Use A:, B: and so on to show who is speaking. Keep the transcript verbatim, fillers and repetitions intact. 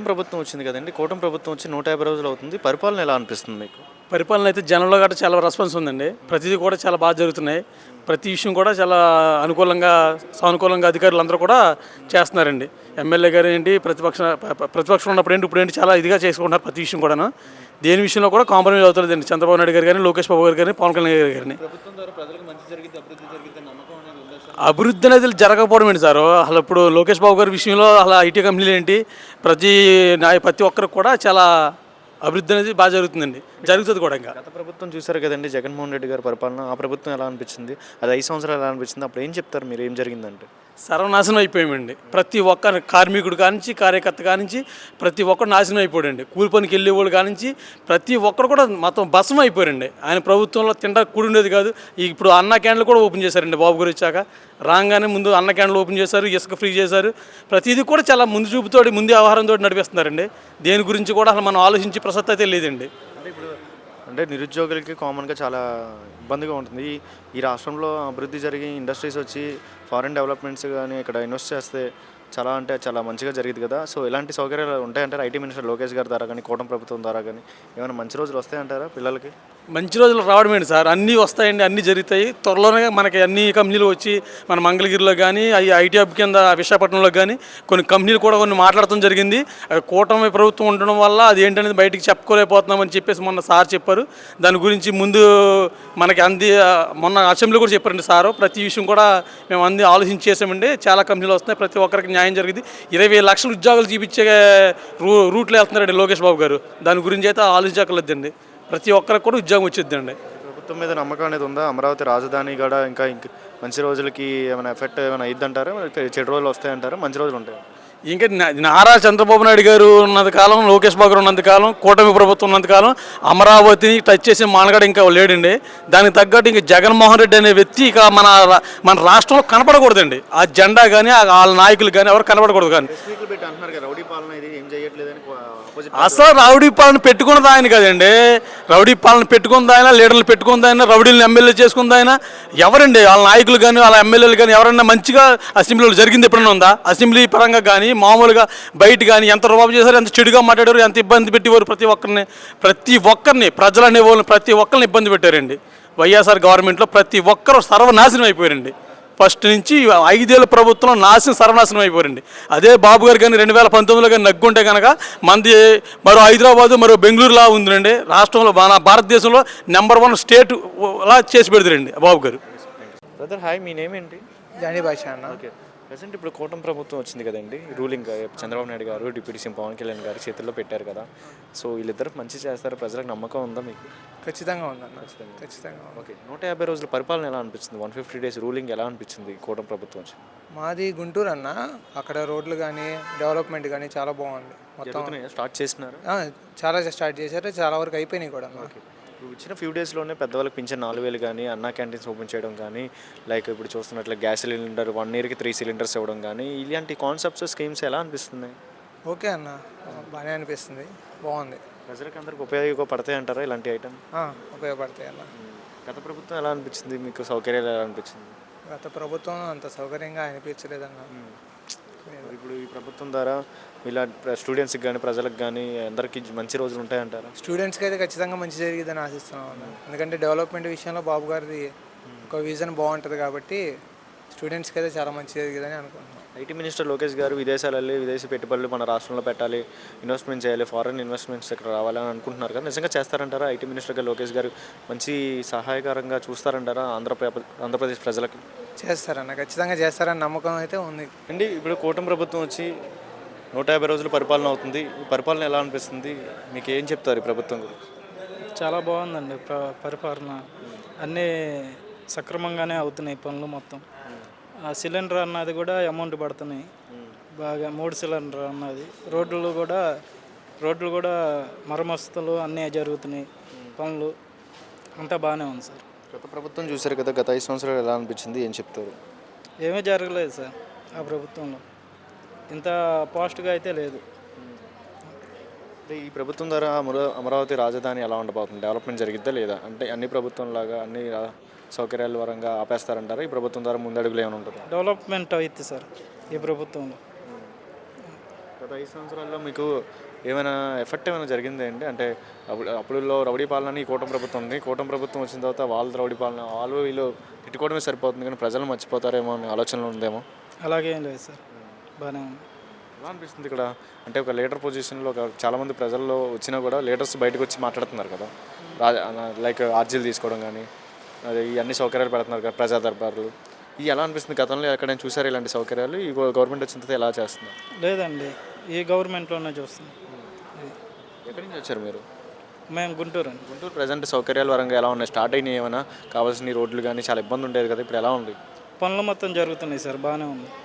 A: ప్రభుత్వం వచ్చింది కదండి. కూటమి ప్రభుత్వం వచ్చి నూట యాభై రోజులు అవుతుంది. పరిపాలన ఎలా అనిపిస్తుంది మీకు?
B: పరిపాలన అయితే జనంలో గట్రా చాలా రెస్పాన్స్ ఉందండి. ప్రతిదీ కూడా చాలా బాగా జరుగుతున్నాయి. ప్రతి విషయం కూడా చాలా అనుకూలంగా సానుకూలంగా అధికారులు అందరూ కూడా చేస్తున్నారండి. ఎమ్మెల్యే గారు ఏంటి, ప్రతిపక్ష ప్రతిపక్షం ఉన్నప్పుడు ఏంటి, ఇప్పుడు ఏంటి చాలా ఇదిగా చేసుకుంటున్నారు ప్రతి విషయం కూడాను. దేని విషయంలో కూడా కాంప్రమైజ్ అవుతుందండి. చంద్రబాబు నాయుడు గారు కానీ, లోకేష్ బాబు గారు కానీ, పవన్ కళ్యాణ్ గారు కానీ.
A: ప్రభుత్వం ద్వారా ప్రజలకు మంచి జరిగింది, అభివృద్ధి జరిగింది నమ్మకం అనేది ఉందా సార్?
B: అభివృద్ధి అనేది జరగకపోవడం ఏంటి సార్? అసలు ఇప్పుడు లోకేష్ బాబు గారి విషయంలో అసలు ఐటీ కంపెనీలు ఏంటి, ప్రతి ప్రతి ఒక్కరికి కూడా చాలా అభివృద్ధి అనేది బాగా జరుగుతుందండి, జరుగుతుంది కూడా. ఇంకా
A: గత ప్రభుత్వం చూశారు కదండి, జగన్మోహన్ రెడ్డి గారి పరిపాలన. ఆ ప్రభుత్వం ఎలా అనిపించింది? అది ఐదు సంవత్సరాలు ఎలా అనిపించింది? అప్పుడు ఏం చెప్తారు మీరు? ఏం జరిగిందంటే
B: సర్వనాశనం అయిపోయామండి. ప్రతి ఒక్క కార్మికుడు కానించి, కార్యకర్త కానించి ప్రతి ఒక్కరు నాశనం అయిపోయాడండి. కూలి పనికి వెళ్ళేవాళ్ళు కానించి ప్రతి ఒక్కరు కూడా మొత్తం భస్మం అయిపోయారండి. ఆయన ప్రభుత్వంలో తింటా కూడి ఉండేది కాదు. ఇప్పుడు అన్న క్యాండ్లు కూడా ఓపెన్ చేశారండి బాబు గారు వచ్చాక. రాగానే ముందు అన్న క్యాండ్లు ఓపెన్ చేశారు, ఇసుక ఫ్రీ చేశారు. ప్రతిదీ కూడా చాలా ముందు చూపుతోటి, ముందు వ్యవహారంతో నడిపిస్తున్నారండి. దేని గురించి కూడా అసలు మనం ఆలోచించి ప్రసక్తి అయితే లేదండి.
A: అంటే ఇప్పుడు అంటే నిరుద్యోగులకి కామన్గా చాలా ఇబ్బందిగా ఉంటుంది. ఈ రాష్ట్రంలో అభివృద్ధి జరిగి ఇండస్ట్రీస్ వచ్చి ఫారిన్ డెవలప్మెంట్స్ కానీ ఇక్కడ ఇన్వెస్ట్ చేస్తే చాలా అంటే చాలా మంచిగా జరిగింది కదా. సో ఇలాంటి సౌకర్యాలు ఉంటాయంటారా? ఐటీ మినిస్టర్ లోకేష్ గారి ద్వారా కానీ, కూటమి ప్రభుత్వం ద్వారా కానీ ఏమైనా మంచి రోజులు వస్తాయంటారా పిల్లలకి?
B: మంచి రోజులు రావడమేంటి సార్, అన్నీ వస్తాయండి, అన్నీ జరుగుతాయి. త్వరలోనే మనకి అన్ని కంపెనీలు వచ్చి మన మంగళగిరిలో కానీ, అవి ఐటీ హబ్ కింద విశాఖపట్నంలో కానీ కొన్ని కంపెనీలు కూడా కొన్ని మాట్లాడటం జరిగింది. కూటమి ప్రభుత్వం ఉండడం వల్ల అది ఏంటనేది బయటికి చెప్పుకోలేకపోతున్నామని చెప్పేసి మొన్న సార్ చెప్పారు. దాని గురించి ముందు మనకి అంది మొన్న అసెంబ్లీ కూడా చెప్పారండి సారు. ప్రతి విషయం కూడా మేము అంది ఆలోచించి చేసామండి. చాలా కంపెనీలు వస్తున్నాయి, ప్రతి ఒక్కరికి న్యాయం జరిగింది. ఇరవై లక్షల ఉద్యోగాలు చూపించే రూ రూట్లో వెళ్తున్నారండి లోకేష్ బాబు గారు. దాని గురించి అయితే ఆలోచించక్కర్లేదండి. ప్రతి ఒక్కరికి కూడా ఉద్యోగం వచ్చిద్దండి.
A: ప్రభుత్వం మీద నమ్మకం అనేది ఉందా? అమరావతి రాజధాని కూడా ఇంకా ఇంక మంచి రోజులకి ఏమైనా ఎఫెక్ట్ ఏమైనా అయిద్దంటారా? చెడు రోజులు వస్తాయంటారా? మంచి రోజులు ఉంటాయి?
B: ఇంకా నారా చంద్రబాబు నాయుడు గారు ఉన్నంత కాలం, లోకేష్ బాబు గారు ఉన్నంత కాలం, కూటమి ప్రభుత్వం ఉన్నంత కాలం అమరావతిని టచ్ చేసే మానగాడు ఇంకా లేడండి. దానికి తగ్గట్టు ఇంక జగన్మోహన్ రెడ్డి అనే వ్యక్తి ఇక మన మన రాష్ట్రంలో కనపడకూడదండి. ఆ జెండా కానీ, వాళ్ళ నాయకులు కానీ ఎవరు కనపడకూడదు. కానీ అసలు రౌడీ పాలన పెట్టుకున్నది ఆయన కదండి. రౌడీ పాలన పెట్టుకుంది ఆయన, లీడర్లు పెట్టుకుంది ఆయన, రౌడీలను ఎమ్మెల్యే చేసుకుంది ఆయన. ఎవరండి వాళ్ళ నాయకులు కానీ, వాళ్ళ ఎమ్మెల్యేలు కానీ ఎవరైనా మంచిగా అసెంబ్లీలో జరిగింది ఎప్పుడైనా ఉందా? అసెంబ్లీ పరంగా కానీ, మామూలుగా బయట కానీ ఎంత రుబాబు చేశారు, ఎంత చెడుగా మాట్లాడారు, ఎంత ఇబ్బంది పెట్టేవారు. ప్రతి ఒక్కరిని ప్రతి ఒక్కరిని ప్రజలు అనేవాళ్ళని ప్రతి ఒక్కరిని ఇబ్బంది పెట్టారండి. వైఎస్ఆర్ గవర్నమెంట్లో ప్రతి ఒక్కరు సర్వనాశనం అయిపోయారండి. ఫస్ట్ నుంచి ఐదేళ్ళ ప్రభుత్వం నాశనం సర్వనాశనం అయిపోయారండి. అదే బాబు గారు కానీ రెండు వేల పంతొమ్మిదిలో కానీ నగ్గుంటే కనుక మంది మరో హైదరాబాదు, మరో బెంగళూరులా ఉందండి. రాష్ట్రంలో మన భారతదేశంలో నెంబర్ వన్ స్టేట్ లా చేసి పెడతారండి బాబు గారు.
A: బ్రదర్ హాయ్, మీ నేమ్ ఏంటి?
C: జానీ భాష అన్న.
A: ఓకే, ప్రజెంట్ ఇప్పుడు కూటమి ప్రభుత్వం వచ్చింది కదండి. రూలింగ్ చంద్రబాబు నాయుడు గారు, డిప్యూటీ సీఎం పవన్ కళ్యాణ్ గారు చేతుల్లో పెట్టారు కదా. సో వీళ్ళిద్దరు మంచి చేస్తారు, ప్రజలకు నమ్మకం ఉందా మీకు?
C: ఖచ్చితంగా ఉందన్న, ఖచ్చితంగా.
A: ఓకే, నూట యాభై రోజుల పరిపాలన ఎలా అనిపించింది? వన్ ఫిఫ్టీ డేస్ రూలింగ్ ఎలా అనిపించింది కూటమి ప్రభుత్వం వచ్చి?
C: మాది గుంటూరు అన్న. అక్కడ రోడ్లు కానీ, డెవలప్మెంట్ కానీ చాలా బాగుంది. మొత్తం
A: స్టార్ట్ చేసినారు,
C: చాలా స్టార్ట్ చేశారు, చాలా వరకు అయిపోయినాయి కూడా.
A: ఓకే, ఇప్పుడు ఇచ్చిన ఫ్యూ డేస్లోనే పెద్దవాళ్ళకి పింఛన్ నాలుగు వేలు కానీ, అన్నా క్యాంటీన్స్ ఓపెన్ చేయడం కానీ, లైక్ ఇప్పుడు చూస్తున్నట్లు గ్యాస్ సిలిండర్ వన్ ఇయర్కి త్రీ సిలిండర్స్ ఇవ్వడం కానీ, ఇలాంటి కాన్సెప్ట్స్ స్కీమ్స్ ఎలా అనిపిస్తున్నాయి?
C: ఓకే అన్న, బాగానే అనిపిస్తుంది, బాగుంది.
A: ప్రజలకు అందరికి ఉపయోగపడతాయి అంటారా ఇలాంటి ఐటమ్?
C: ఉపయోగపడతాయి అన్న.
A: గత ప్రభుత్వం ఎలా అనిపించింది మీకు? సౌకర్యాలు ఎలా అనిపించింది?
C: గత ప్రభుత్వం అంత సౌకర్యంగా అనిపించలేదన్న.
A: ఇప్పుడు ఈ ప్రభుత్వం ద్వారా ఇలా స్టూడెంట్స్కి కానీ, ప్రజలకు కానీ అందరికీ మంచి రోజులు ఉంటాయంటారా?
C: స్టూడెంట్స్కి అయితే ఖచ్చితంగా మంచి జరిగిద్దని ఆశిస్తున్నాం అన్న. ఎందుకంటే డెవలప్మెంట్ విషయంలో బాబు గారిది ఒక విజన్ బాగుంటుంది కాబట్టి స్టూడెంట్స్కి అయితే చాలా మంచి జరిగిందని అనుకుంటున్నాం.
A: ఐటీ మినిస్టర్ లోకేష్ గారు విదేశాలు వెళ్ళి విదేశీ పెట్టుబడులు మన రాష్ట్రంలో పెట్టాలి, ఇన్వెస్ట్మెంట్ చేయాలి, ఫారెన్ ఇన్వెస్ట్మెంట్స్ ఇక్కడ రావాలని అనుకుంటున్నారు కదా. నిజంగా చేస్తారంటారా? ఐటీ మినిస్టర్గా లోకేష్ గారు మంచి సహాయకరంగా చూస్తారంటారా ఆంధ్రప్రదేశ్ ఆంధ్రప్రదేశ్ ప్రజలకి?
C: చేస్తారన్న, ఖచ్చితంగా చేస్తారని నమ్మకం అయితే ఉంది
A: అండి. ఇప్పుడు కూటమి ప్రభుత్వం వచ్చి నూట యాభై రోజులు పరిపాలన అవుతుంది. ఈ పరిపాలన ఎలా అనిపిస్తుంది మీకు? ఏం చెప్తారు ఈ ప్రభుత్వం గురించి?
D: చాలా బాగుందండి పరిపాలన. అన్నీ సక్రమంగానే అవుతున్నాయి పనులు మొత్తం. సిలిండర్ అన్నది కూడా అమౌంట్ పడుతున్నాయి బాగా. మూడు సిలిండర్ అన్నది. రోడ్లు కూడా రోడ్లు కూడా మరమస్తులు అన్నీ జరుగుతున్నాయి పనులు. అంతా బాగానే ఉంది సార్.
A: గత ప్రభుత్వం చూశారు కదా, గత ఐదు సంవత్సరాలు ఎలా అనిపించింది? ఏం చెప్తారు?
D: ఏమీ జరగలేదు సార్ ఆ ప్రభుత్వంలో, ఇంత పాజిటివ్గా అయితే లేదు.
A: ఈ ప్రభుత్వం ద్వారా అమరావతి రాజధాని ఎలా ఉండబోతుంది? డెవలప్మెంట్ జరిగిద్దా లేదా? అంటే అన్ని ప్రభుత్వం లాగా అన్ని సౌకర్యాల పరంగా ఆపేస్తారంటారా? ఈ ప్రభుత్వం ద్వారా ముందడుగులు ఏమైనా ఉంటుంది?
D: డెవలప్మెంట్ అవుతుంది సార్ ఈ ప్రభుత్వంలో.
A: గత ఐదు సంవత్సరాల్లో మీకు ఏమైనా ఎఫెక్ట్ ఏమైనా జరిగింది అండి? అంటే అప్పుడు అప్పుడులో రౌడీ పాలన ఈ కూటమి ప్రభుత్వం ఉంది, కూటమి ప్రభుత్వం వచ్చిన తర్వాత వాళ్ళ రౌడీ పాలన వాళ్ళు వీళ్ళు తిట్టుకోవడమే సరిపోతుంది కానీ ప్రజలు మర్చిపోతారేమో అనే ఆలోచనలు ఉందేమో.
D: అలాగేం లేదు సార్, బాగానే ఉంది.
A: ఎలా అనిపిస్తుంది ఇక్కడ అంటే ఒక లీడర్ పొజిషన్లో ఒక చాలామంది ప్రజల్లో వచ్చినా కూడా లీడర్స్ బయటకు వచ్చి మాట్లాడుతున్నారు కదా, రాజా లైక్ ఆర్జీలు తీసుకోవడం కానీ అదే ఈ అన్ని సౌకర్యాలు పెడుతున్నారు కదా ప్రజా దర్బార్లు, ఇవి ఎలా అనిపిస్తుంది? గతంలో ఎక్కడైనా చూసారు ఇలాంటి సౌకర్యాలు? ఈ గవర్నమెంట్ వచ్చిన తర్వాత ఎలా చేస్తున్నారు?
D: లేదండి, ఈ గవర్నమెంట్లోనే చూస్తున్నాం.
A: ఎక్కడి నుంచి వచ్చారు మీరు?
D: మేము గుంటూరు అండి.
A: గుంటూరు ప్రజెంట్ సౌకర్యాల పరంగా ఎలా ఉన్నాయి? స్టార్ట్ అయినాయి ఏమైనా? కావాల్సిన రోడ్లు కానీ చాలా ఇబ్బంది ఉండేది కదా, ఇప్పుడు ఎలా ఉంది?
D: పనులు మొత్తం జరుగుతున్నాయి సార్, బాగానే ఉంది.